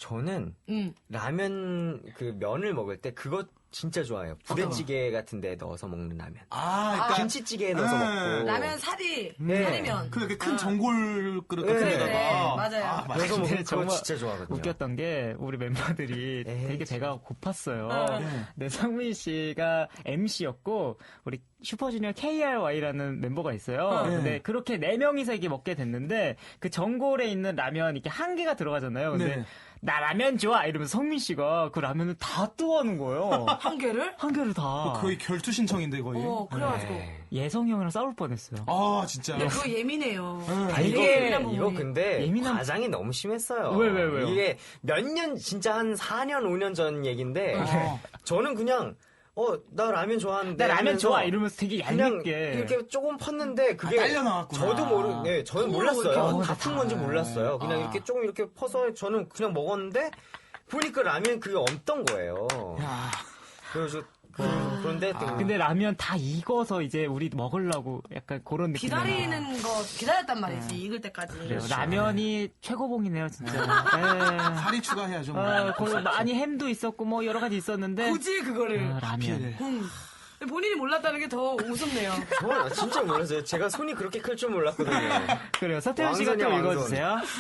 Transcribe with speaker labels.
Speaker 1: 저는 라면 그 면을 먹을 때 그거 진짜 좋아해요. 부대찌개 같은 데 넣어서 먹는 라면.
Speaker 2: 그러니까
Speaker 1: 김치찌개에 넣어서 먹고.
Speaker 3: 라면 사리면.
Speaker 2: 그렇게 큰 전골 그릇 같은
Speaker 3: 그래,
Speaker 2: 데다가.
Speaker 3: 맞아요.
Speaker 1: 그래서 먹는 거
Speaker 4: 정말
Speaker 1: 진짜 좋아하거든요.
Speaker 4: 웃겼던 게 우리 멤버들이 되게 배가 고팠어요. 근데 성민 씨가 MC였고 우리 슈퍼주니어 KRY라는 멤버가 있어요. 근데 그렇게 4명이서 이게 먹게 됐는데 그 전골에 있는 라면 이렇게 한 개가 들어가잖아요. 근데
Speaker 2: 네.
Speaker 4: 나 라면 좋아 이러면서 성민 씨가 그 라면을 다 떠가는 거예요.
Speaker 3: 한 개를?
Speaker 4: 한 개를 다.
Speaker 2: 거의 결투 신청인데 거의.
Speaker 3: 그래가지고.
Speaker 4: 예성이 형이랑 싸울 뻔했어요.
Speaker 2: 진짜.
Speaker 3: 근데 그거 예민해요.
Speaker 1: 이거 근데
Speaker 4: 예민한-
Speaker 1: 과장이 너무 심했어요.
Speaker 4: 왜요?
Speaker 1: 이게 몇 년, 진짜 한 4년, 5년 전 얘기인데, 저는 그냥, 나 라면 좋아하는데.
Speaker 4: 나 라면
Speaker 1: 하면서
Speaker 4: 좋아 이러면서 되게
Speaker 1: 그냥
Speaker 4: 얇게.
Speaker 1: 이렇게 조금 펐는데, 그게.
Speaker 2: 딸려 나왔구나.
Speaker 1: 저는
Speaker 3: 통으로 이렇게
Speaker 1: 몰랐어요. 다 푼 건지 몰랐어요. 그냥
Speaker 2: 아.
Speaker 1: 이렇게 조금 이렇게 퍼서 저는 그냥 먹었는데, 보니까 라면 그게 없던 거예요. 그래서, 그런데 또.
Speaker 4: 근데 라면 다 익어서 이제 우리 먹으려고 약간 그런 느낌.
Speaker 3: 기다리는 거 기다렸단 말이지. 익을 때까지.
Speaker 4: 그래요. 라면이 최고봉이네요, 진짜. 네.
Speaker 2: 살이 추가해야죠. 뭐.
Speaker 4: 거기 많이 햄도 있었고 뭐 여러 가지 있었는데
Speaker 3: 굳이 그거를.
Speaker 4: 라면.
Speaker 3: 본인이 몰랐다는 게 더 우습네요.
Speaker 1: 저는 진짜 몰랐어요. 제가 손이 그렇게 클 줄 몰랐거든요.
Speaker 4: 그래요. 서태훈 씨가 또
Speaker 1: 왕손이야, 왕손.
Speaker 4: 읽어주세요.